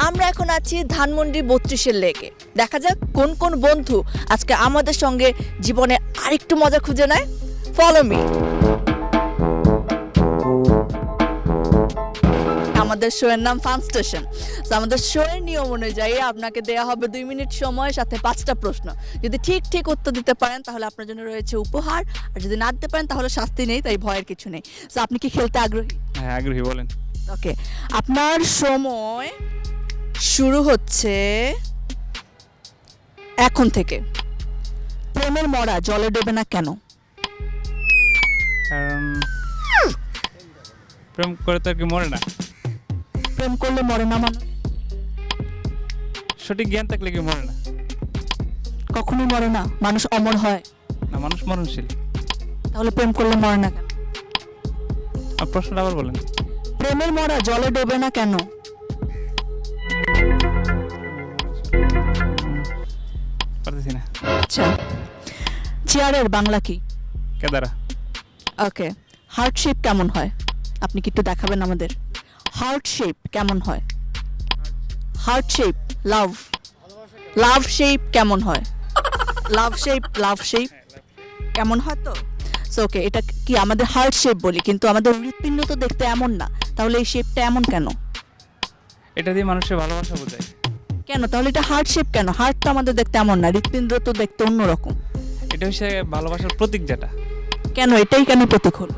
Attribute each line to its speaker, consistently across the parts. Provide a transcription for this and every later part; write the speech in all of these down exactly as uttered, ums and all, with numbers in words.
Speaker 1: আমরা এখন আছি ধানমন্ডি বত্রিশের লেকে। দেখা যাক কোন কোন বন্ধু আজকে আমাদের সঙ্গে জীবনে আরেকটু মজা খুঁজে নেয়। Follow me. আমাদের শো এর নাম ফান স্টেশন। তো আমাদের শো এর নিয়ম অনুযায়ী আপনাকে দেয়া হবে দুই মিনিট সময়, সাথে পাঁচটা প্রশ্ন। যদি ঠিক ঠিক উত্তর দিতে পারেন তাহলে আপনার জন্য রয়েছে উপহার, আর যদি না দিতে পারেন তাহলে শাস্তি নেই, তাই ভয়ের কিছু নেই। তো আপনি কি খেলতে আগ্রহী?
Speaker 2: হ্যাঁ আগ্রহী, বলেন।
Speaker 1: ওকে, আপনার সময় শুরু হচ্ছে এখন থেকে। প্রেমের মরা জলে ডোবে না কেন?
Speaker 2: কারণ প্রেম করে তো আর কি মরে না।
Speaker 1: প্রেম করলে মরে না মানুষ?
Speaker 2: সঠিক জ্ঞান থাকলে কি মরে না?
Speaker 1: কখনোই মরে না, মানুষ অমর হয়।
Speaker 2: না, মানুষ মরণশীল।
Speaker 1: তাহলে প্রেম করলে মরে না কেন?
Speaker 2: আর প্রশ্নটা আবার বলেন।
Speaker 1: প্রেমের মরা জলে ডোবে না কেন?
Speaker 2: পারতেছি না।
Speaker 1: আচ্ছা, চেয়ারের বাংলা কি?
Speaker 2: কেদারা।
Speaker 1: ওকে, হার্ট শেপ কেমন হয়? আপনি কি একটু দেখাবেন আমাদের? হার্ট শেপ কেমন হয়? Heart shape, love love shape কেমন হয়? লাভ শেপ, লাভ শেপ কেমন হয়? তো সো ওকে, এটা কি আমাদের হার্ট শেপ বলি, কিন্তু আমাদের হৃৎপিণ্ড তো দেখতে এমন না, তাহলে এই শেপটা এমন কেন?
Speaker 2: এটা দিয়ে মানুষের ভালোবাসা বোঝায়।
Speaker 1: কেন তাহলে এটা হার্ট শেপ কেন? হার্ট তো আমাদের দেখতে এমন না, হৃৎপিণ্ড তো দেখতে অন্যরকম।
Speaker 2: এটা হচ্ছে ভালোবাসার প্রতীক যেটা।
Speaker 1: কেন এটাই কেন প্রতীক হলো?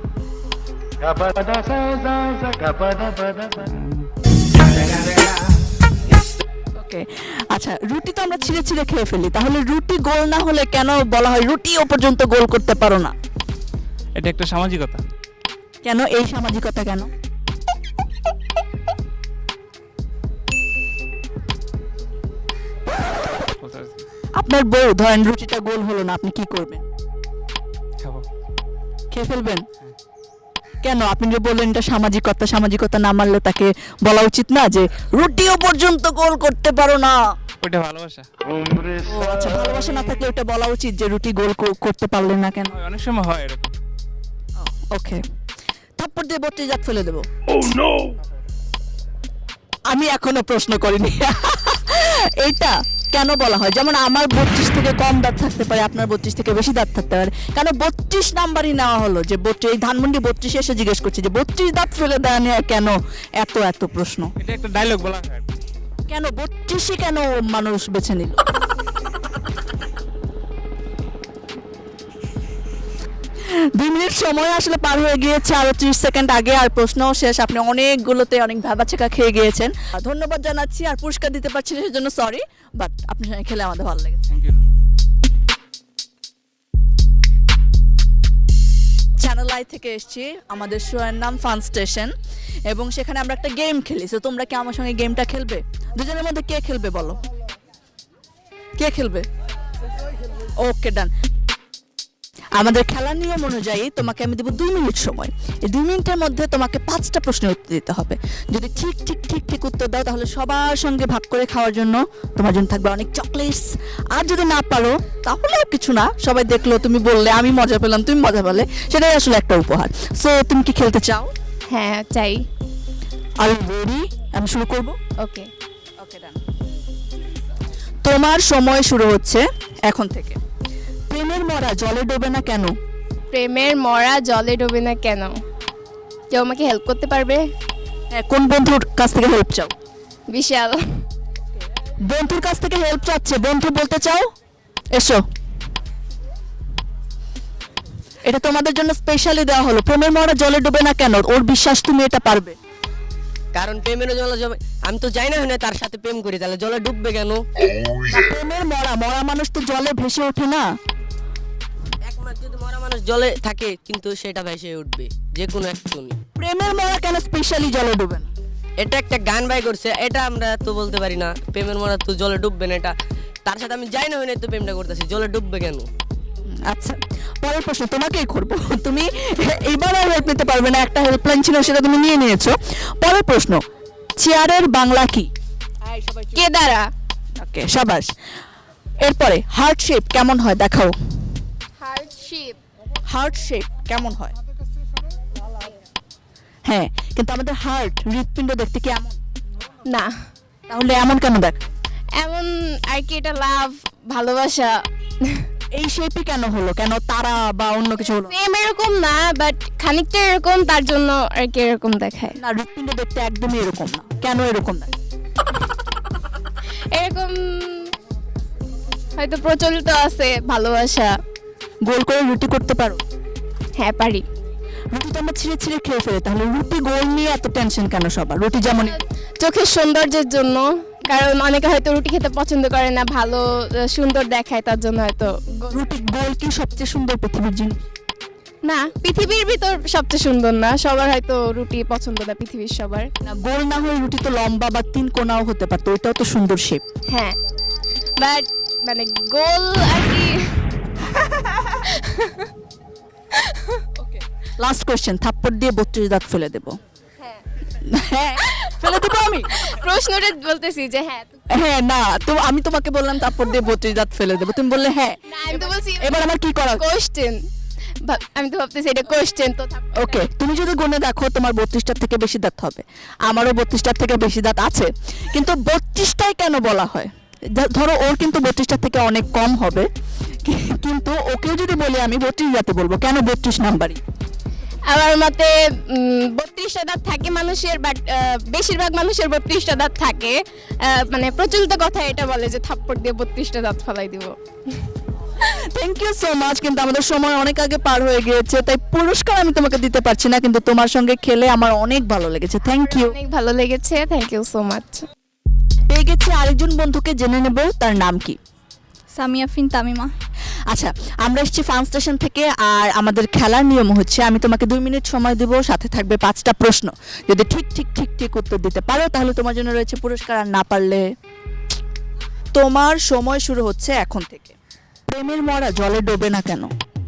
Speaker 1: ওকে, আচ্ছা, রুটি তো আমরা ছিঁড়ে ছিঁড়ে খেয়ে ফেলি, তাহলে রুটি গোল না হলে কেন বলা হয় রুটিও পর্যন্ত গোল করতে পারো না?
Speaker 2: এটা একটা সামাজিকতা।
Speaker 1: কেন এই সামাজিকতা কেন?
Speaker 2: বলতে পারছি না।
Speaker 1: আপনার বউ ধরেন রুটিটা গোল হলো না, আপনি কি করবেন?
Speaker 2: খাবো।
Speaker 1: খেয়ে ফেলবেন? কেন? আপনি যে বললেন এটা সামাজিকতা, সামাজিকতা না মানলে তাকে বলা উচিত না যে রুটিও পর্যন্ত গোল করতে পারো না?
Speaker 2: ওইটা ভালোবাসা।
Speaker 1: ও আচ্ছা, ভালোবাসা না থাকলে ওটা বলা উচিত যে রুটি গোল কো- করতে পারলে না কেন?
Speaker 2: হয়, অনেক সময় হয় এরকম।
Speaker 1: ওকে, থাপ্পড় দিয়ে বত্রিশ জাত ফেলে দেবো। আমি এখনো প্রশ্ন করিনি। এইটা কেন বলা হয়? যেমন আমার বত্রিশ থেকে কম দাঁত থাকতে পারে, আপনার বত্রিশ থেকে বেশি দাঁত থাকতে পারে, কেন বত্রিশ নাম্বারই নেওয়া হলো? যে বত্রিশ, এই ধানমন্ডি বত্রিশে এসে জিজ্ঞেস করছে যে বত্রিশ দাঁত ফেলে দেওয়া নিয়ে কেন এত এত প্রশ্ন?
Speaker 2: এটা একটা ডায়লগ বলা হয়।
Speaker 1: কেন বত্রিশে কেন মানুষ বেছে নিল? দুই মিনিট সময় আসলে পার হয়ে গিয়েছে, আরো ত্রিশ সেকেন্ড আগে, আর প্রশ্নও শেষ। আপনি অনেকগুলোতে অনেক ভাবাচেকা খেয়ে গিয়েছেন, ধন্যবাদ জানাচ্ছি। আর পুরস্কার দিতে পারছি না সেজন্য সরি, বাট আপনার সঙ্গে খেলে আমাদের ভালো লেগেছে।
Speaker 2: Thank you.
Speaker 1: চ্যানেল আই থেকে এসেছি, আমাদের শো এর নাম ফান স্টেশন, এবং সেখানে আমরা একটা গেম খেলি। তো তোমরা কি আমার সঙ্গে গেমটা খেলবে? দুজনের মধ্যে কে খেলবে বলো? কে খেলবে? ওকে, ডান। আমাদের খেলার নিয়ম অনুযায়ী তোমাকে আমি দেবো দুই মিনিট সময়। এই দুই মিনিটের মধ্যে তোমাকে পাঁচটা প্রশ্নের উত্তর দিতে হবে। যদি ঠিক ঠিক ঠিক ঠিক উত্তর দাও তাহলে সবার সঙ্গে ভাগ করে খাওয়ার জন্য তোমার জন্য থাকবে অনেক চকলেটস। আর যদি না পারো তাহলে আর কিছু না, সবাই দেখলো তুমি বললে, আমি মজা পেলাম, তুমি মজা পেলে, সেটাই আসলে একটা উপহার। সো তুমি কি খেলতে চাও?
Speaker 3: হ্যাঁ চাই।
Speaker 1: আর রেডি? আমি শুরু করব।
Speaker 3: ওকে।
Speaker 1: ওকে, ডান। তোমার সময় শুরু হচ্ছে এখন থেকে। প্রেমের মরা জলে ডোবে না কেন?
Speaker 3: প্রেমের মরা জলে ডোবে না কেন? কেউ আমাকে হেল্প করতে পারবে?
Speaker 1: হ্যাঁ, কোন বন্ধুর কাছ থেকে হেল্প চাও?
Speaker 3: বিশাল।
Speaker 1: বন্ধুর কাছ থেকে হেল্প চাচ্ছে, বন্ধু বলতে চাও? এসো, এটা তোমাদের জন্য স্পেশালি দেওয়া হলো। প্রেমের মরা জলে ডুবে না কেন? ওর বিশ্বাস তুমি এটা পারবে।
Speaker 4: কারণ প্রেমের জলে জবে আমি তো যাই না হয় না তার সাথে প্রেম করি, তাহলে জলে ডুববে কেন?
Speaker 1: না, প্রেমের মরা, মরা মানুষ তো জলে ভেসে ওঠে না।
Speaker 4: একমাত্র যদি মরা মানুষ জলে থাকে কিন্তু সেটা ভেসে উঠবে যে কোনো একটুনি।
Speaker 1: প্রেমের মরা কেন স্পেশালি জলে ডুবে না?
Speaker 4: এটা একটা গান বাই করছে, এটা আমরা তো বলতে পারি না। প্রেমের মরা তো জলে ডুববে না, এটা তার সাথে আমি যাই না হয় না তো প্রেমটা করতেছি, জলে ডুববে কেন?
Speaker 1: আচ্ছা, পরের প্রশ্ন তোমাকেই করবো। তুমি এইবার আর হেল্প নিতে পারবে না, একটা হেল্পলাইন ছিল সেটা তুমি নিয়ে নিয়েছো। পরের প্রশ্ন, চেয়ারের বাংলা কি?
Speaker 3: কেদারা।
Speaker 1: ওকে, সাবাস। এরপরে হার্ট শেপ কেমন হয় দেখাও।
Speaker 3: Heart shape.
Speaker 1: হার্ট শেপ কেমন হয়? হ্যাঁ, কিন্তু আমাদের হার্ট, হৃৎপিণ্ড দেখতে কেমন?
Speaker 3: না।
Speaker 1: তাহলে এমন কেন দেখ?
Speaker 3: এমন আর কি, এটা লাভ, ভালোবাসা।
Speaker 1: এই শেপই কেন হলো? কেন তারা বা অন্য কিছু হলো?
Speaker 3: সেম এরকম না, বাট খানিকটা এরকম, তার জন্য আর কি এরকম দেখায়।
Speaker 1: না, হৃৎপিণ্ড দেখতে একদমই এরকম না, কেন এরকম দেখ?
Speaker 3: এরকম হয়তো প্রচলিত আছে ভালোবাসা।
Speaker 1: গোল করে রুটি করতে পারো?
Speaker 3: হ্যাঁ পারি।
Speaker 1: রুটি তো আমরা ছিঁড়ে ছিঁড়ে খেয়ে ফেলি, তাহলে রুটি গোল নিয়ে এত টেনশন কেন সবার? রুটি যেমন
Speaker 3: চোখের সৌন্দর্যের জন্য, কারণ অনেকে হয়তো রুটি খেতে পছন্দ করে না, ভালো আহ, সুন্দর দেখায়, তার জন্য হয়তো গো-
Speaker 1: রুটি গোল কি সবচেয়ে সুন্দর পৃথিবীর জিনিস?
Speaker 3: না, পৃথিবীর ভিতর সবচেয়ে সুন্দর না, সবার হয়তো রুটি পছন্দ না, পৃথিবীর সবার।
Speaker 1: না, গোল না হয়ে রুটি তো লম্বা বা তিন কোণাও হতে পারতো, ওইটাও তো সুন্দর শেপ।
Speaker 3: হ্যাঁ, বাট মানে গোল আর কি।
Speaker 1: লাস্ট কোশ্চেন, থাপ্পড় দিয়ে বত্রিশ দাঁত ফেলে দেবো? হ্যাঁ, ফেলে দেবো আমি?
Speaker 3: প্রশ্নটা বলতেছি যে হ্যাঁ।
Speaker 1: হ্যাঁ, না তো আমি তোমাকে বললাম থাপ্পড় দিয়ে বত্রিশ দাঁত ফেলে দেবো, তুমি বললে হ্যাঁ।
Speaker 3: না, আমি তো বলছি
Speaker 1: এবার আমার কি করা?
Speaker 3: কোশ্চেন, আমি তো ভাবতেছি এটা কোশ্চেন তো।
Speaker 1: ওকে, তুমি যদি গুণে দেখো তোমার বত্রিশটার থেকে বেশি দাঁত হবে, আমারও বত্রিশটার থেকে বেশি দাঁত আছে, কিন্তু বত্রিশটাই কেন বলা হয়? ধ- ধরো ওর কিন্তু বত্রিশটার থেকে অনেক কম হবে, কি- কিন্তু ওকেও যদি বলি আমি বত্রিশ দাঁতে বলবো, কেন বত্রিশ নাম্বারই?
Speaker 3: আমার মতে বত্রিশটা দাঁত থাকে মানুষের, বাট বেশিরভাগ মানুষের বত্রিশটা দাঁত থাকে। আহ, মানে প্রচলিত কথা এটা বলে যে থাপ্পড় দিয়ে বত্রিশটা দাঁত ফেলাই দিব।
Speaker 1: থ্যাংক ইউ সো মাচ, কিন্তু আমাদের সময় অনেক আগে পার হয়ে গিয়েছে, তাই পুরস্কার আমি তোমাকে দিতে পারছি না, কিন্তু তোমার সঙ্গে খেলে আমার অনেক ভালো লেগেছে। Thank you.
Speaker 3: অনেক ভালো লেগেছে, থ্যাংক ইউ সো মাচ।
Speaker 1: পেয়ে গেছি আরেকজন বন্ধুকে, জেনে নেব তার নাম কি।
Speaker 5: সামিয়া ফিন তামিমা।
Speaker 1: আচ্ছা, আমরা এসেছি ফার্ম স্টেশন থেকে, আর আমাদের খেলার নিয়ম হচ্ছে আমি তোমাকে দুই মিনিট সময় দেবো, সাথে থাকবে পাঁচটা প্রশ্ন। যদি ঠিক ঠিক ঠিক ঠিক উত্তর দিতে পারো তাহলে তোমার জন্য রয়েছে পুরস্কার, আর না পারলে তোমার সময় শুরু হচ্ছে এখন থেকে। প্রেমের মরা জলে ডোবে না কেন?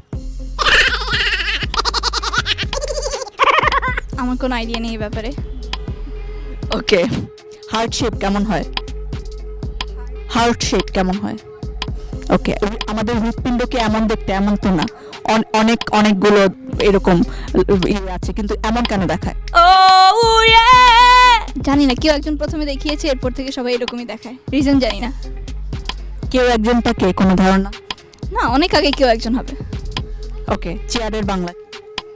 Speaker 5: আমার কোনো আইডিয়া নেই এই ব্যাপারে।
Speaker 1: ওকে, হার্ট শেপ কেমন হয়? হার্ট শেপ কেমন হয়? ওকে, আমাদের হৃৎপিণ্ড কি এমন দেখতে? এমন তো না, অন- অনেক অনেকগুলো এরকম ইয়ে আছে, কিন্তু এমন কেন দেখায়?
Speaker 5: জানি না, কেউ একজন প্রথমে দেখিয়েছে, এরপর থেকে সবাই এরকমই দেখায়, রিজন জানি না।
Speaker 1: কেউ একজনটা কে, কোনো ধারণা?
Speaker 5: না, অনেক আগে কেউ একজন হবে।
Speaker 1: ওকে, চেয়ারের বাংলা কি?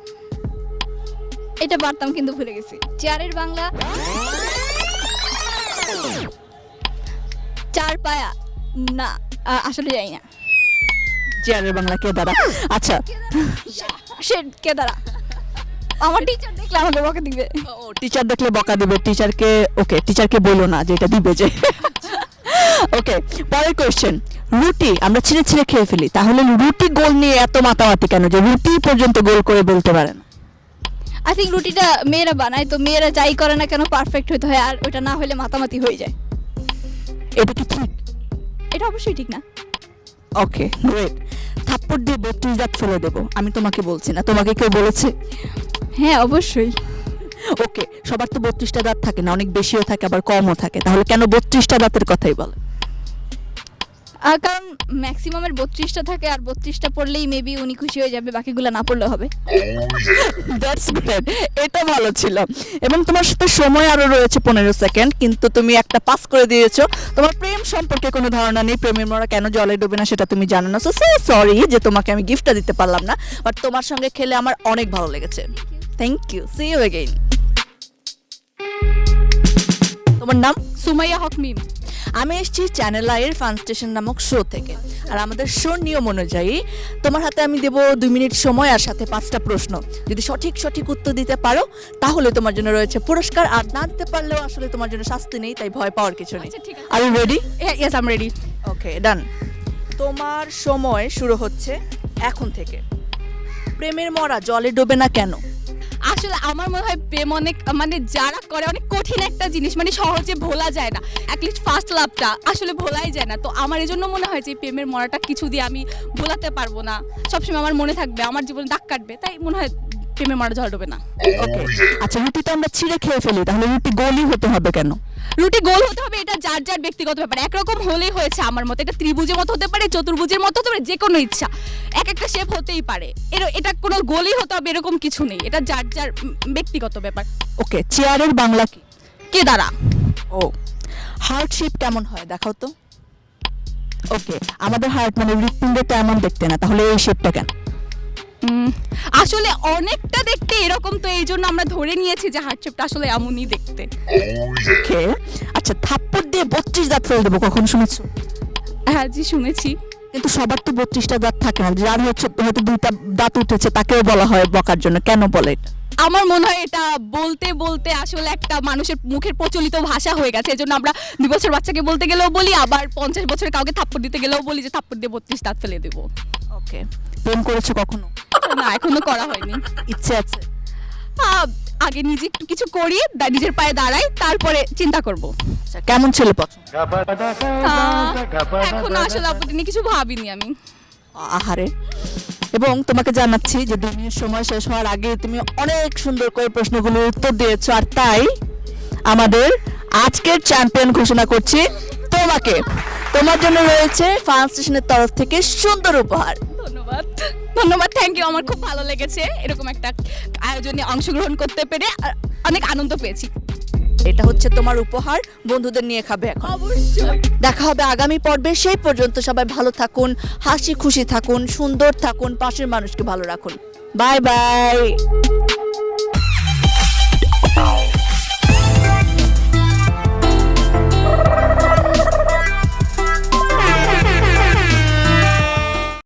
Speaker 5: এটা পারতাম কিন্তু ভুলে গেছি। চেয়ারের বাংলা চার পায়া। না, আ- আসলে জানি না।
Speaker 1: চেয়ারের বাংলা কে দাঁড়া? আচ্ছা,
Speaker 5: সে কে দাঁড়া, আমার টিচার দেখলে আমাকে বকে দিবে।
Speaker 1: ও টিচার দেখলে বকা দিবে টিচারকে? ওকে, টিচারকে বলো না যে এটা দিবে যে। ওকে, পরের কোশ্চেন, রুটি আমরা ছিঁড়ে ছিঁড়ে খেয়ে ফেলি, তাহলে রুটি গোল নিয়ে এত মাতামাতি কেন, যে রুটি পর্যন্ত গোল করে বলতে পারে না?
Speaker 5: আই থিঙ্ক রুটিটা মেয়েরা বানায়, তো মেয়েরা যাই করে না কেন পারফেক্ট হতে হয়, আর ওটা না হলে মাতামাতি হয়ে যায়।
Speaker 1: এটা কি ঠিক?
Speaker 5: এটা অবশ্যই ঠিক না।
Speaker 1: Okay, great. থাপ্পড় দিয়ে বত্রিশ দাঁত ফেলে দেবো, আমি তোমাকে বলছি না, তোমাকে কেউ বলেছে?
Speaker 5: হ্যাঁ অবশ্যই।
Speaker 1: ওকে, সবার তো বত্রিশটা দাঁত থাকে না, অনেক বেশিও থাকে আবার কমও থাকে, তাহলে কেন বত্রিশটা দাঁতের কথাই বলে?
Speaker 5: আর কারণ ম্যাক্সিমামের বত্রিশটা থাকে, আর বত্রিশটা পড়লেই মেবি উনি খুশি হয়ে যাবে, বাকিগুলো না পড়লে হবে।
Speaker 1: দ্যাটস গ্রেট, এটা ভালো ছিল। এবং তোমার সাথে সময় আরো রয়েছে পনেরো সেকেন্ড, কিন্তু তুমি একটা পাস করে দিয়েছো। তোমার প্রেম সম্পর্কে কোনো ধারণা নেই, প্রেমের মরা কেন জলে ডোবে না সেটা তুমি জানো না, সো সরি যে তোমাকে আমি গিফটটা দিতে পারলাম না, বাট তোমার সঙ্গে খেলে আমার অনেক ভালো লেগেছে। Thank you, see you again. তোমার নাম?
Speaker 5: সুমাইয়া হক মিম।
Speaker 1: আমি এসেছি চ্যানেল আইয়ের ফান স্টেশন নামক শো থেকে, আর আমাদের শো নিয়ম অনুযায়ী তোমার হাতে আমি দেবো দুই মিনিট সময় আর সাথে পাঁচটা প্রশ্ন। যদি সঠিক সঠিক উত্তর দিতে পারো তাহলে তোমার জন্য রয়েছে পুরস্কার, আর না দিতে পারলেও আসলে তোমার জন্য শাস্তি নেই, তাই ভয় পাওয়ার কিছু নেই।
Speaker 5: আচ্ছা, ঠিক আছে।
Speaker 1: Are you ready?
Speaker 5: Yes I am ready.
Speaker 1: Okay, done. তোমার সময় শুরু হচ্ছে এখন থেকে। প্রেমের মরা জলে ডোবে না কেন?
Speaker 6: আসলে আমার মনে হয় প্রেম অনেক মানে যারা করে অনেক কঠিন একটা জিনিস, মানে সহজে ভোলা যায় না। অ্যাটলিস্ট ফার্স্ট লাভটা আসলে ভোলাই যায় না। তো আমার এজন্য মনে হয় যে প্রেমের মরাটা কিছু দিয়ে আমি ভোলাতে পারবো না, সবসময় আমার মনে থাকবে, আমার জীবনে দাগ কাটবে, তাই মনে হয় প্রেমের মরা জল ডোবে না।
Speaker 1: ওকে, আচ্ছা, রুটি তো আমরা ছিঁড়ে খেয়ে ফেলি, তাহলে রুটি গোলই হতে হবে কেন?
Speaker 6: রুটি গোল হতে হবে এটা যার যার ব্যক্তিগত ব্যাপার। একরকম হলেই হয়েছে আমার মতে। এটা ত্রিভুজের মতো হতে পারে, চতুর্ভুজের মতো হতে পারে, যে কোনো ইচ্ছা এক একটা শেপ হতেই পারে। এর এটা কোনো গোলই হতে হবে এরকম কিছু নেই, এটা যার যার উম, ব্যক্তিগত ব্যাপার।
Speaker 1: ওকে, চেয়ারের বাংলা কি?
Speaker 6: কে দাঁড়া?
Speaker 1: ও, হার্ট শেপ কেমন হয় দেখাও তো। ওকে, আমাদের হার্ট মানে হৃৎপিণ্ডটা এমন দেখতে না, তাহলে এই শেপটা কেন?
Speaker 6: উম, আসলে অনেকটা দেখতে এরকম, তো এই জন্য আমরা ধরে নিয়েছি যে হার্ট শেপটা আসলে এমনই দেখতে।
Speaker 1: ওকে, আচ্ছা থাপ্পড় দিয়ে বত্রিশ দাঁত ফেলে দেবো, কখন শুনেছো?
Speaker 6: হ্যাঁ জি শুনেছি।
Speaker 1: কিন্তু সবার তো বত্রিশটা দাঁত থাকে না, যার হচ্ছে হয়তো দুইটা দাঁত উঠেছে তাকেও বলা হয় বকার জন্য, কেন বলে এটা?
Speaker 6: আমার মনে হয় এটা বলতে বলতে আসলে একটা মানুষের মুখের প্রচলিত ভাষা হয়ে গেছে, এজন্য আমরা দুই বছর বাচ্চাকে বলতে গেলেও বলি, আবার পঞ্চাশ বছরের কাউকে থাপ্পড় দিতে গেলেও বলি যে থাপ্পড় দিয়ে বত্রিশ দাঁত ফেলে দেবো।
Speaker 1: ওকে, প্রেম করেছো কখনো?
Speaker 6: না এখনো করা হয়নি।
Speaker 1: ইচ্ছে আছে?
Speaker 6: আহ, আগে নিজে একটু কিছু করি, দা- নিজের পায়ে দাঁড়াই, তারপরে চিন্তা করব।
Speaker 1: আচ্ছা, কেমন ছেলে পছন্দ?
Speaker 6: আহ, এখনো আসলে আপত্তি নিয়ে কিছু ভাবিনি আমি।
Speaker 1: আহারে। এবং তোমাকে জানাচ্ছি যে দুই মিনিট সময় শেষ হওয়ার আগে তুমি অনেক সুন্দর করে প্রশ্নগুলোর উত্তর দিয়েছো, আর তাই আমাদের আজকের চ্যাম্পিয়ন ঘোষণা করছি তোমাকে। তোমার জন্য রয়েছে ফান স্টেশনের তরফ থেকে সুন্দর উপহার।
Speaker 6: ধন্যবাদ ধন্যবাদ থ্যাংক ইউ, আমার খুব ভালো লেগেছে এরকম একটা আয়োজনে অংশগ্রহণ করতে পেরে, আর অনেক আনন্দ পেয়েছি।
Speaker 1: এটা হচ্ছে তোমার উপহার, বন্ধুদের নিয়ে খাবে এখন।
Speaker 6: অবশ্যই।
Speaker 1: দেখা হবে আগামী পর্বে, সেই পর্যন্ত সবাই ভালো থাকুন, হাসি খুশি থাকুন, সুন্দর থাকুন, পাশের মানুষকে ভালো রাখুন। Bye by.